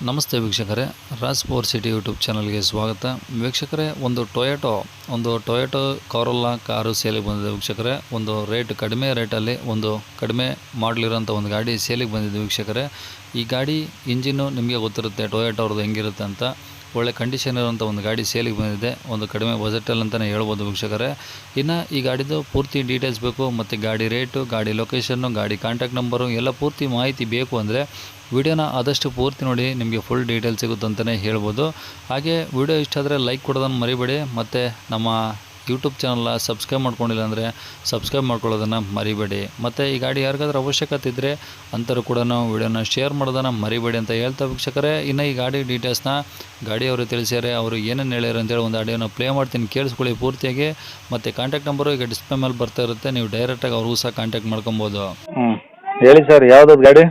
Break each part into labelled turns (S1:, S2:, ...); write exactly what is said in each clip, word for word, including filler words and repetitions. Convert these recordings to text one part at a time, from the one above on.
S1: ನಮಸ್ತೆ ವೀಕ್ಷಕರೇ, Raj power city YouTube ಚಾನಲ್ಗೆ ಸ್ವಾಗತ. ವೀಕ್ಷಕರೇ, ಒಂದು ಟೊಯೋಟೋ ಒಂದು ಟೊಯೋಟೋ ಕಾರೋಲಾ ಕಾರು ಸೇಲಿಗೆ ಬಂದಿದೆ ವೀಕ್ಷಕರೇ. ಒಂದು ರೇಟ್ ಕಡಿಮೆ ರೇಟಲ್ಲಿ ಒಂದು ಕಡಿಮೆ ಮಾಡಲಿರೋಂಥ ಒಂದು ಗಾಡಿ ಸೇಲಿಗೆ ಬಂದಿದೆ ವೀಕ್ಷಕರೇ. ಈ ಗಾಡಿ ಇಂಜಿನ್ನು ನಿಮಗೆ ಗೊತ್ತಿರುತ್ತೆ ಟೊಯೋಟೋ ಅವ್ರದ್ದು ಹೆಂಗಿರುತ್ತೆ ಅಂತ. ಒಳ್ಳೆ ಕಂಡೀಷನ್ ಇರುವಂಥ ಒಂದು ಗಾಡಿ ಸೇಲಿಗೆ ಬಂದಿದೆ, ಒಂದು ಕಡಿಮೆ ಬಜೆಟಲ್ಲಿ ಅಂತಲೇ ಹೇಳ್ಬೋದು ವೀಕ್ಷಕರೇ. ಇನ್ನು ಈ ಗಾಡಿದು ಪೂರ್ತಿ ಡೀಟೇಲ್ಸ್ ಬೇಕು ಮತ್ತು ಗಾಡಿ ರೇಟು, ಗಾಡಿ ಲೊಕೇಶನ್ನು, ಗಾಡಿ ಕಾಂಟ್ಯಾಕ್ಟ್ ನಂಬರು ಎಲ್ಲ ಪೂರ್ತಿ ಮಾಹಿತಿ ಬೇಕು ಅಂದರೆ ವಿಡಿಯೋನ ಆದಷ್ಟು ಪೂರ್ತಿ ನೋಡಿ, ನಿಮಗೆ ಫುಲ್ ಡೀಟೇಲ್ಸ್ ಸಿಗುತ್ತೆ ಅಂತಲೇ ಹೇಳ್ಬೋದು. ಹಾಗೆ ವಿಡಿಯೋ ಇಷ್ಟ ಆದರೆ ಲೈಕ್ ಕೊಡೋದನ್ನು ಮರಿಬೇಡಿ. ಮತ್ತು ನಮ್ಮ ಯೂಟ್ಯೂಬ್ ಚಾನಲ್ನ ಸಬ್ಸ್ಕ್ರೈಬ್ ಮಾಡ್ಕೊಂಡಿಲ್ಲ ಅಂದರೆ ಸಬ್ಸ್ಕ್ರೈಬ್ ಮಾಡ್ಕೊಳ್ಳೋದನ್ನು ಮರಿಬೇಡಿ. ಮತ್ತು ಈ ಗಾಡಿ ಯಾರಿಗಾದ್ರೂ ಅವಶ್ಯಕತೆ ಇದ್ದರೆ ಅಂಥವ್ರು ಕೂಡ ವಿಡಿಯೋನ ಶೇರ್ ಮಾಡೋದನ್ನು ಮರಿಬೇಡಿ ಅಂತ ಹೇಳ್ತಾ ವೀಕ್ಷಕರೇ. ಇನ್ನು ಈ ಗಾಡಿ ಡೀಟೇಲ್ಸ್ನ ಗಾಡಿಯವರು ತಿಳಿಸ್ಯಾರೆ, ಅವರು ಏನೇನು ಹೇಳ್ಯಾರ ಅಂತೇಳಿ ಒಂದು ಆಡಿಯೋನ ಪ್ಲೇ ಮಾಡ್ತೀನಿ, ಕೇಳಿಸ್ಕೊಳ್ಳಿ ಪೂರ್ತಿಯಾಗಿ. ಮತ್ತು ಕಾಂಟ್ಯಾಕ್ಟ್ ನಂಬರು ಈಗ ಡಿಸ್ಪ್ಲೇ ಮೇಲೆ ಬರ್ತಾ ಇರುತ್ತೆ, ನೀವು ಡೈರೆಕ್ಟಾಗಿ ಅವ್ರಿಗೂ ಸಹ ಕಾಂಟ್ಯಾಕ್ಟ್ ಮಾಡ್ಕೊಬೋದು.
S2: ಹ್ಞೂ ಹೇಳಿ ಸರ್, ಯಾವ್ದು ಗಾಡಿ?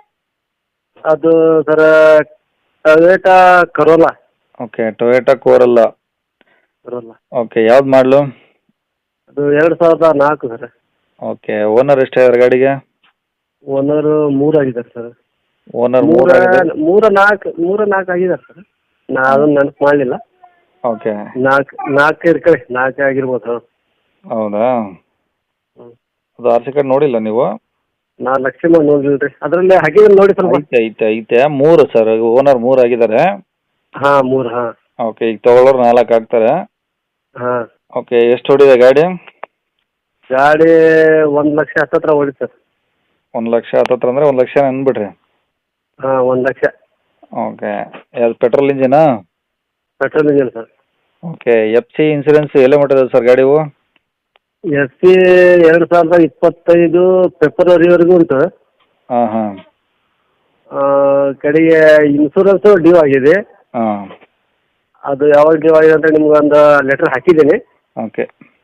S3: ಅದು sir Toyota Corolla.
S2: Okay, Toyota Corolla.
S3: Corolla
S2: okay, ಯಾವ್ದು ಮಾಡಲು?
S3: ಅದು ಎರಡು ಸಾವಿರದ ನಾಲ್ಕು ಸರ್.
S2: ಓಕೆ, ಓನರ್ ಎಷ್ಟಾಗಿದ್ದಾರೆ ಗಾಡಿಗೆ?
S3: ಓನರ್ ಮೂರು ಆಗಿದ್ದಾರೆ ಸರ್.
S2: ಓನರ್
S3: ಮೂರ
S2: ಮೂರು
S3: ಮೂರ ನಾಲ್ಕು ಮೂರ ನಾಲ್ಕು ಆಗಿದ್ದಾರೆ ಸರ್. ನಾ ಅದನ್ನ ನೆನಪು ಮಾಡಲಿಲ್ಲ.
S2: ಓಕೆ,
S3: ನಾಲ್ಕು ನಾಲ್ಕು ಇರ್ಕೊಳ್ಳಿ, ನಾಲ್ಕು ಆಗಿರ್ಬೋದು. ಹಾಂ,
S2: ಹೌದಾ?
S3: ಹ್ಞೂ
S2: ಅದು ಆರ್ ಸಿ ಕಾರ್ಡ್ ನೋಡಿಲ್ಲ ನೀವು?
S3: ನಾ ಲಕ್ಷ ನೋಡಿಲ್ಲ ರೀ, ಅದರಲ್ಲಿ ಹಾಕಿದ್ರೆ ನೋಡಿ ಸ್ವಲ್ಪ.
S2: ಐತೆ ಐತೆ ಐತೆ ಮೂರು ಸರ್, ಓನರ್ ಮೂರು ಆಗಿದ್ದಾರೆ.
S3: ಹಾಂ ಮೂರು. ಹಾಂ
S2: ಓಕೆ, ಈಗ ತೊಗೊಳೋರು ನಾಲ್ಕು ಆಗ್ತಾರೆ.
S3: ಹಾಂ.
S2: ಓಕೆ, ಎಷ್ಟು ಹೊಡಿದೆ ಗಾಡಿ?
S3: ಗಾಡಿ ಒಂದು ಲಕ್ಷ ಹತ್ತತ್ರ ಹೊಡಿ ಸರ್.
S2: ಒಂದು ಲಕ್ಷ ಹತ್ತತ್ರ ಅಂದರೆ ಒಂದು ಲಕ್ಷ ಅಂದ್ಬಿಡ್ರಿ.
S3: ಹಾಂ, ಒಂದು ಲಕ್ಷ.
S2: ಓಕೆ, ಯಾವ್ದು ಪೆಟ್ರೋಲ್ ಇಂಜಿನಾ?
S3: Petrol engine sir.
S2: Okay, F C insurance ಎಲ್ಲ ಮಟ್ಟಿದೆ ಸರ್ ಗಾಡಿವು?
S3: ಎಸ್ ಸಿ ಎರಡು ಸಾವಿರದ ಇಪ್ಪತ್ತೈದು ಫೆಬ್ರವರಿವರೆಗೂ ಉಂಟು.
S2: ಹಾಂ ಹಾಂ.
S3: ಕಡೆಗೆ ಇನ್ಸೂರೆನ್ಸು ಡ್ಯೂ ಆಗಿದೆ.
S2: ಹಾಂ.
S3: ಅದು ಯಾವಾಗ ಡ್ಯೂ ಆಗಿದೆ ಅಂತ ನಿಮ್ಗೆ ಒಂದು ಲೆಟ್ರ್ ಹಾಕಿದ್ದೀನಿ.
S2: ಓಕೆ,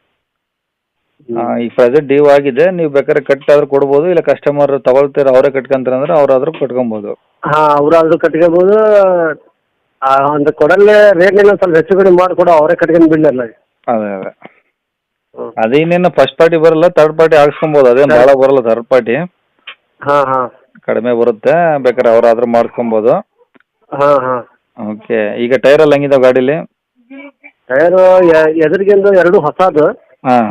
S2: ಈಗ ಪ್ರೆಸೆಂಟ್ ಡ್ಯೂ ಆಗಿದೆ, ನೀವು ಬೇಕಾದ್ರೆ ಕಟ್ ಆದ್ರೂ ಕೊಡ್ಬೋದು, ಇಲ್ಲ ಕಸ್ಟಮರ್ ತಗೊಳ್ತೀರ ಅವರೇ ಕಟ್ಕೊಂತಾರೆ ಅಂದ್ರೆ ಅವರಾದ್ರೂ ಕಟ್ಕೊಬೋದು.
S3: ಹಾಂ, ಅವರಾದ್ರೂ ಕಟ್ಕೋಬೋದು. ಅಂದ್ರೆ ಕೊಡಲ್ಲೇ ರೇಟ್ನೆಲ್ಲ ಸ್ವಲ್ಪ ಹೆಚ್ಚು ಕಡಿಮೆ ಮಾಡಿಕೊಡು, ಅವರೇ ಕಟ್ಕೊಂಡು ಬಿಡಲ್ಲ.
S2: ಅದೇ ಅದೇ ಅದೇನೇನು ಫಸ್ಟ್ ಪಾರ್ಟಿ ಬರಲ್ಲ, ಥರ್ಡ್ ಪಾರ್ಟಿ ಹಾಕ್ಸ್ಕೊಬೋದು. ಅದೇನು ಭಾಳ ಬರಲ್ಲ ಥರ್ಡ್ ಪಾರ್ಟಿ.
S3: ಹಾಂ ಹಾಂ,
S2: ಕಡಿಮೆ ಬರುತ್ತೆ, ಬೇಕಾದ್ರೆ ಅವರಾದ್ರೂ ಮಾಡಿಸ್ಕೊಬೋದು.
S3: ಹಾಂ ಹಾಂ.
S2: ಓಕೆ, ಈಗ ಟೈರ್ ಎಲ್ಲ ಹೆಂಗಿದಾವೆ ಗಾಡೀಲಿ?
S3: ಟೈರು ಎದುರಿಗಿಂದು ಎರಡು ಹೊಸದು.
S2: ಹಾಂ.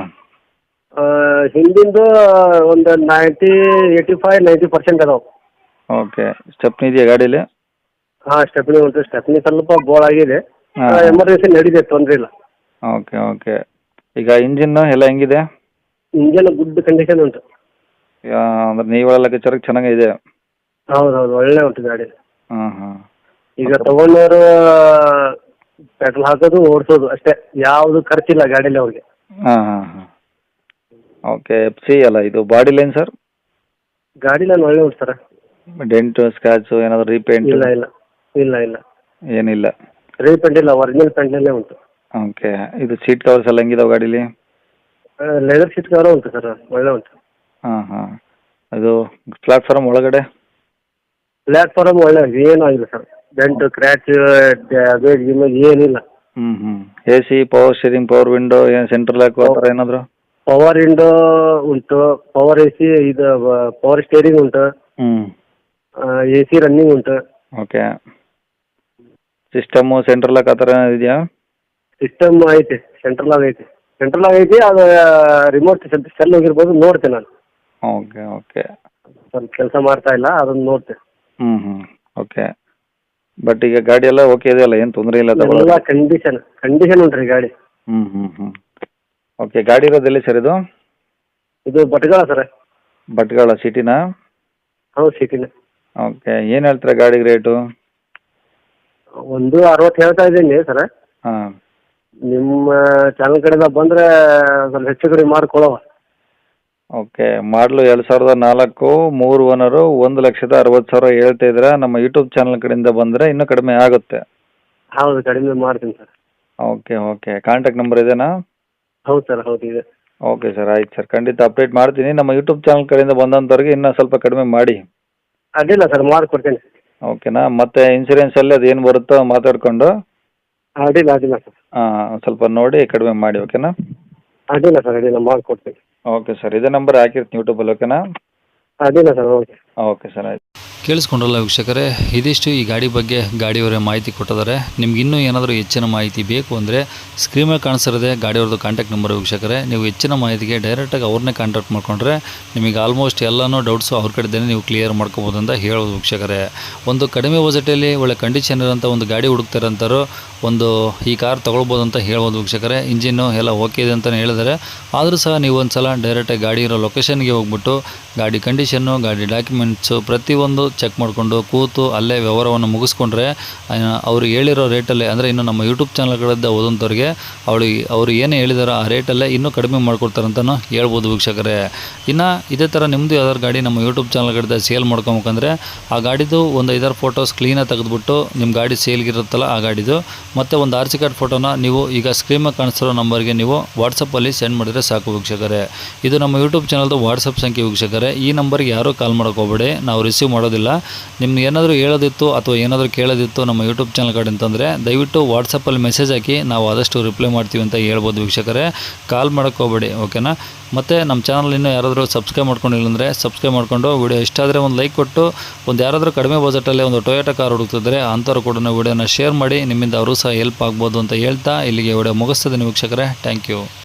S3: ಹಿಂದಿಂದು ಒಂದು ninety eighty five ninety percent ಅದಾವೆ.
S2: ಓಕೆ, ಸ್ಟೆಪ್ನಿ ಇದೆಯಾ ಗಾಡೀಲಿ?
S3: ಹಾಂ, ಸ್ಟೆಪ್ನಿ ಉಂಟು. ಸ್ಟೆಪ್ನಿ ಸ್ವಲ್ಪ ಬೋಳಾಗಿದೆ,
S2: ಹಾಂ.
S3: ಎಮರ್ಜೆನ್ಸಿ ನಡೀದೆ, ತೊಂದರೆ ಇಲ್ಲ.
S2: ಓಕೆ ಓಕೆ, ಈಗ ಇಂಜಿನ್ ಎಲ್ಲ ಹೆಂಗಿದೆ?
S3: ಇಂಜನ್ ಗುಡ್ ಕಂಡೀಷನ್ ಉಂಟು.
S2: ಅಂದ್ರೆ ನೀವೆಲ್ಲ ಲೆಕ್ಕಾಚಾರಕ್ಕೆ ಚೆನ್ನಾಗಿದೆ?
S3: ಹೌದು ಹೌದು, ಒಳ್ಳೆ ಉಂಟು ಗಾಡಿ.
S2: ಹಾಂ ಹಾಂ.
S3: ಈಗ ತಗೊಂಡವರು ಪೆಟ್ರೋಲ್ ಹಾಕೋದು ಓಡಿಸೋದು ಅಷ್ಟೇ, ಯಾವುದು ಖರ್ಚಿಲ್ಲ ಗಾಡೀಲಿ ಅವ್ರಿಗೆ.
S2: ಹಾಂ ಹಾಂ ಹಾಂ. ಓಕೆ, ಎಫ್ ಸಿ ಅಲ್ಲ ಇದು? Body line sir?
S3: ಗಾಡಿ ನಾನು ಒಳ್ಳೆ ಉಂಟು ಸರ್.
S2: ಡೆಂಟು ಸ್ಕ್ರಾಚು ಏನಾದರೂ ರೀಪೇಂಟ್?
S3: ಇಲ್ಲ ಇಲ್ಲ ಇಲ್ಲ ಇಲ್ಲ,
S2: ಏನಿಲ್ಲ.
S3: ರೀಪೇಂಟ್ ಇಲ್ಲ, ಒರಿಜಿನಲ್ ಪೇಂಟ್ನಲ್ಲೇ ಉಂಟು.
S2: ಓಕೆ, ಇದು ಸೀಟ್ ಕವರ್ಸ್ ಎಲ್ಲ ಹೆಂಗಿದಾವೆ ಗಾಡೀಲಿ?
S3: ಲೆದರ್ ಸೀಟ್ ಕವರ್ ಉಂಟು ಸರ್, ಒಳ್ಳೆ ಉಂಟು.
S2: ಹಾಂ ಹಾಂ. ಇದು ಪ್ಲಾಟ್ಫಾರ್ಮ್ ಒಳಗಡೆ?
S3: ಪ್ಲಾಟ್ಫಾರ್ಮ್ ಒಳ್ಳೆ ಉಂಟು, ಏನೂ ಆಗಿಲ್ಲ ಸರ್. ಡೆಂಟು ಕ್ರ್ಯಾಚ್ ಅದೇ ಗಿಮೇಜ್ ಏನಿಲ್ಲ.
S2: ಹ್ಞೂ ಹ್ಞೂ. A C, power steering, power window, ಏನು ಸೆಂಟ್ರಲ್ ಲಾಕ್ ಆ ಥರ ಏನಾದರೂ?
S3: ಪವರ್ ವಿಂಡೋ ಉಂಟು, ಪವರ್ ಎ ಸಿ, ಇದು ಪವರ್ ಸ್ಟೇರಿಂಗ್ ಉಂಟು.
S2: ಹ್ಞೂ.
S3: ಎ ಸಿ ರನ್ನಿಂಗ್ ಉಂಟು.
S2: ಓಕೆ, ಸಿಸ್ಟಮು ಸೆಂಟ್ರಲ್ ಲಾಕ್ ಆ ಥರ ಏನಾದ್ರು ಇದೆಯಾ?
S3: ಸಿಸ್ಟಮ್ ಐತೆ, ಸೆಂಟ್ರಲ್ ಆಗಿ ಐತೆ. ಸೆಂಟ್ರಲ್ ಆಗಿ ಐತಿ, ಅದು ರಿಮೋಟ್ ಸೆಲ್ ಹೋಗಿರ್ಬೋದು, ನೋಡ್ತೇನೆ ನಾನು.
S2: Okay okay.
S3: ಸ್ವಲ್ಪ ಕೆಲಸ ಮಾಡ್ತಾ ಇಲ್ಲ, ಅದನ್ನು ನೋಡ್ತೇನೆ.
S2: ಹ್ಞೂ ಹ್ಞೂ. ಓಕೆ, ಬಟ್ ಈಗ ಗಾಡಿ ಎಲ್ಲ ಓಕೆ ಇದೆಯಲ್ಲ, ಏನು ತೊಂದರೆ ಇಲ್ಲ?
S3: ಎಲ್ಲ ಕಂಡೀಷನ್ ಕಂಡೀಷನ್ ಉಂಟು ರೀ ಗಾಡಿ.
S2: ಹ್ಞೂ ಹ್ಞೂ ಹ್ಞೂ. ಓಕೆ, ಗಾಡಿ ಇರೋದು ಎಲ್ಲಿ ಸರ್ ಇದು?
S3: ಇದು ಭಟ್ಕಳ ಸರ್.
S2: ಭಟ್ಕಳ ಸಿಟಿನಾ?
S3: ಹೌದು, ಸಿಟಿನೇ.
S2: ಓಕೆ, ಏನು ಹೇಳ್ತೀರಾ ಗಾಡಿಗೆ ರೇಟು?
S3: ಒಂದು ಅರವತ್ತು ಹೇಳ್ತಾ ಇದ್ದೀನಿ ಸರ್.
S2: ಹಾಂ.
S3: ನಿಮ್ಮ ಚಾನಲ್ ಕಡೆಯಿಂದ ಬಂದರೆ ಸ್ವಲ್ಪ ಹೆಚ್ಚು ಕಡಿಮೆ ಮಾಡಿಕೊಡುವ.
S2: ಓಕೆ, ಮಾಡಲು ಎರಡು ಸಾವಿರದ ನಾಲ್ಕು, ಮೂರು ಓನರು, ಒಂದು ಲಕ್ಷದ ಅರವತ್ತು ಸಾವಿರ ಹೇಳ್ತಾ ಇದ್ದೀರಾ. ನಮ್ಮ ಯೂಟ್ಯೂಬ್ ಚಾನಲ್ ಕಡೆಯಿಂದ ಬಂದರೆ ಇನ್ನೂ ಕಡಿಮೆ ಆಗುತ್ತೆ.
S3: ಹೌದು, ಕಡಿಮೆ ಮಾಡ್ತೀನಿ sir.
S2: Okay okay, contact number ಇದೆನಾ?
S3: ಹೌದು ಸರ್, ಹೌದು ಇದೆ.
S2: ಓಕೆ ಸರ್, ಆಯ್ತು ಸರ್, ಖಂಡಿತ ಅಪ್ಡೇಟ್ ಮಾಡ್ತೀನಿ. ನಮ್ಮ ಯೂಟ್ಯೂಬ್ ಚಾನಲ್ ಕಡೆಯಿಂದ ಬಂದಂಥವ್ರಿಗೆ ಇನ್ನೂ ಸ್ವಲ್ಪ ಕಡಿಮೆ ಮಾಡಿ.
S3: ಅಡ್ಡಿಲ್ಲ ಸರ್, ಮಾಡಿಕೊಡ್ತೇನೆ.
S2: ಓಕೆನಾ? ಮತ್ತು ಇನ್ಸೂರೆನ್ಸಲ್ಲಿ ಅದು ಏನು ಬರುತ್ತೋ ಮಾತಾಡಿಕೊಂಡು
S3: ಅಡ್ಡಿಲ್ಲ ಅಡ್ಡಿಲ್ಲ ಸರ್.
S2: ಹಾಂ, ಸ್ವಲ್ಪ ನೋಡಿ ಕಡಿಮೆ ಮಾಡಿ. ಓಕೆನಾ?
S3: ಅಡ್ಡಿಲ್ಲ ಸರ್, ಅಡ್ಡಿಲ್ಲ ಮಾಡಿಕೊಡ್ತೀನಿ.
S2: ಓಕೆ ಸರ್, ಇದೇ ನಂಬರ್ ಹಾಕಿರ್ತೀನಿ ಯೂಟ್ಯೂಬಲ್ಲಿ. ಓಕೆನಾ?
S3: ಅಡ್ಡಿಲ್ಲ ಸರ್, ಓಕೆ.
S2: ಓಕೆ ಸರ್, ಆಯ್ತು.
S1: ಕೇಳಿಸ್ಕೊಂಡ್ರಲ್ಲ ವೀಕ್ಷಕರೇ, ಇದಿಷ್ಟು ಈ ಗಾಡಿ ಬಗ್ಗೆ ಗಾಡಿಯವರೇ ಮಾಹಿತಿ ಕೊಟ್ಟಿದ್ದಾರೆ. ನಿಮ್ಗೆ ಇನ್ನೂ ಏನಾದರೂ ಹೆಚ್ಚಿನ ಮಾಹಿತಿ ಬೇಕು ಅಂದರೆ ಸ್ಕ್ರೀನ್ ಮೇಲೆ ಕಾಣಿಸಿರೋದೇ ಗಾಡಿಯವ್ರದ್ದು ಕಾಂಟ್ಯಾಕ್ಟ್ ನಂಬರ್ ವೀಕ್ಷಕರೇ. ನೀವು ಹೆಚ್ಚಿನ ಮಾಹಿತಿಗೆ ಡೈರೆಕ್ಟಾಗಿ ಅವ್ರನ್ನೇ ಕಾಂಟ್ಯಾಕ್ಟ್ ಮಾಡ್ಕೊಂಡ್ರೆ ನಿಮಗೆ ಆಲ್ಮೋಸ್ಟ್ ಎಲ್ಲನೂ ಡೌಟ್ಸು ಅವ್ರ ಕಡೆದೇ ನೀವು ಕ್ಲಿಯರ್ ಮಾಡ್ಕೋಬೋದು ಅಂತ ಹೇಳೋದು ವೀಕ್ಷಕರೇ. ಒಂದು ಕಡಿಮೆ ಬಜೆಟಲ್ಲಿ ಒಳ್ಳೆ ಕಂಡೀಷನ್ ಇರೋಂಥ ಒಂದು ಗಾಡಿ ಹುಡುಕ್ತಾರಂತಾರೋ ಒಂದು ಈ ಕಾರ್ ತೊಗೊಳ್ಬೋದು ಅಂತ ಹೇಳ್ಬೋದು ವೀಕ್ಷಕರೇ. ಇಂಜಿನ್ನು ಎಲ್ಲ ಓಕೆ ಇದೆ ಅಂತಲೇ ಹೇಳಿದ್ದಾರೆ. ಆದರೂ ಸಹ ನೀವು ಒಂದು ಸಲ ಡೈರೆಕ್ಟಾಗಿ ಗಾಡಿ ಇರೋ ಲೊಕೇಶನ್ಗೆ ಹೋಗ್ಬಿಟ್ಟು ಗಾಡಿ ಕಂಡೀಷನ್ನು, ಗಾಡಿ ಡಾಕ್ಯುಮೆಂಟ್ಸು ಪ್ರತಿಯೊಂದು ಚೆಕ್ ಮಾಡಿಕೊಂಡು ಕೂತು ಅಲ್ಲೇ ವ್ಯವಹಾರವನ್ನು ಮುಗಿಸ್ಕೊಂಡ್ರೆ ಅವರು ಹೇಳಿರೋ ರೇಟಲ್ಲೇ, ಅಂದರೆ ಇನ್ನು ನಮ್ಮ ಯೂಟ್ಯೂಬ್ ಚಾನಲ್ಗಳಿಂದ ಓದಂಥವ್ರಿಗೆ ಅವಳಿಗೆ ಅವರು ಏನು ಹೇಳಿದಾರೋ ಆ ರೇಟಲ್ಲೇ ಇನ್ನೂ ಕಡಿಮೆ ಮಾಡ್ಕೊಡ್ತಾರಂತಲೂ ಹೇಳ್ಬೋದು ವೀಕ್ಷಕರೇ. ಇನ್ನು ಇದೇ ಥರ ನಿಮ್ಮದು ಯಾವ್ದಾದ್ರು ಗಾಡಿ ನಮ್ಮ ಯೂಟ್ಯೂಬ್ ಚಾನಲ್ಗಳಿಂದ ಸೇಲ್ ಮಾಡ್ಕೊಬೇಕಂದ್ರೆ ಆ ಗಾಡಿದು ಒಂದು ಐದಾರು ಫೋಟೋಸ್ ಕ್ಲೀನಾಗಿ ತೆಗೆದುಬಿಟ್ಟು ನಿಮ್ಮ ಗಾಡಿ ಸೇಲ್ಗಿರುತ್ತಲ್ಲ ಆ ಗಾಡಿದು ಮತ್ತು ಒಂದು ಆರ್ ಸಿ ಕಾರ್ಡ್ ಫೋಟೋನ ನೀವು ಈಗ ಸ್ಕ್ರೀನ್ ಮೇಲೆ ಕಾಣಿಸ್ತಿರೋ ನಂಬರ್ಗೆ ನೀವು ವಾಟ್ಸಪ್ಪಲ್ಲಿ ಸೆಂಡ್ ಮಾಡಿದರೆ ಸಾಕು ವೀಕ್ಷಕರೇ. ಇದು ನಮ್ಮ ಯೂಟ್ಯೂಬ್ ಚಾನಲ್ದು ವಾಟ್ಸಪ್ ಸಂಖ್ಯೆ ವೀಕ್ಷಕರೇ. ಈ ನಂಬರ್ಗೆ ಯಾರೂ ಕಾಲ್ ಮಾಡೋಕೆ ಹೋಗಬೇಡಿ, ನಾವು ರಿಸೀವ್ ಮಾಡೋದಿಲ್ಲ. ನಿಮ್ಗೆ ಏನಾದರೂ ಹೇಳೋದಿತ್ತು ಅಥವಾ ಏನಾದರೂ ಕೇಳೋದಿತ್ತು ನಮ್ಮ ಯೂಟ್ಯೂಬ್ ಚಾನಲ್ ಕಡೆ ಅಂತಂದರೆ ದಯವಿಟ್ಟು ವಾಟ್ಸಪ್ಪಲ್ಲಿ ಮೆಸೇಜ್ ಹಾಕಿ, ನಾವು ಆದಷ್ಟು ರಿಪ್ಲೈ ಮಾಡ್ತೀವಿ ಅಂತ ಹೇಳ್ಬೋದು ವೀಕ್ಷಕರೇ. ಕಾಲ್ ಮಾಡೋಕ್ಕೆ ಹೋಗಬೇಡಿ, ಓಕೆನಾ. ಮತ್ತು ನಮ್ಮ ಚಾನಲ್ ಇನ್ನೂ ಯಾರಾದರೂ ಸಬ್ಸ್ಕ್ರೈಬ್ ಮಾಡ್ಕೊಂಡಿಲ್ಲ ಅಂದರೆ ಸಬ್ಸ್ಕ್ರೈಬ್ ಮಾಡಿಕೊಂಡು ವಿಡಿಯೋ ಇಷ್ಟ ಆದರೆ ಒಂದು ಲೈಕ್ ಕೊಟ್ಟು, ಒಂದು ಯಾರಾದರೂ ಕಡಿಮೆ ಬಜೆಟಲ್ಲಿ ಒಂದು ಟೊಯೋಟಾ ಕಾರ್ ಹುಡುಕ್ತಿದ್ರೆ ಅಂಥವ್ರು ಕೂಡ ವಿಡಿಯೋನ ಶೇರ್ ಮಾಡಿ, ನಿಮ್ಮಿಂದ ಅವರು ಸಹ ಹೆಲ್ಪ್ ಆಗ್ಬೋದು ಅಂತ ಹೇಳ್ತಾ ಇಲ್ಲಿಗೆ ವಿಡಿಯೋ ಮುಗಿಸ್ತದೆ ವೀಕ್ಷಕರೇ. Thank you.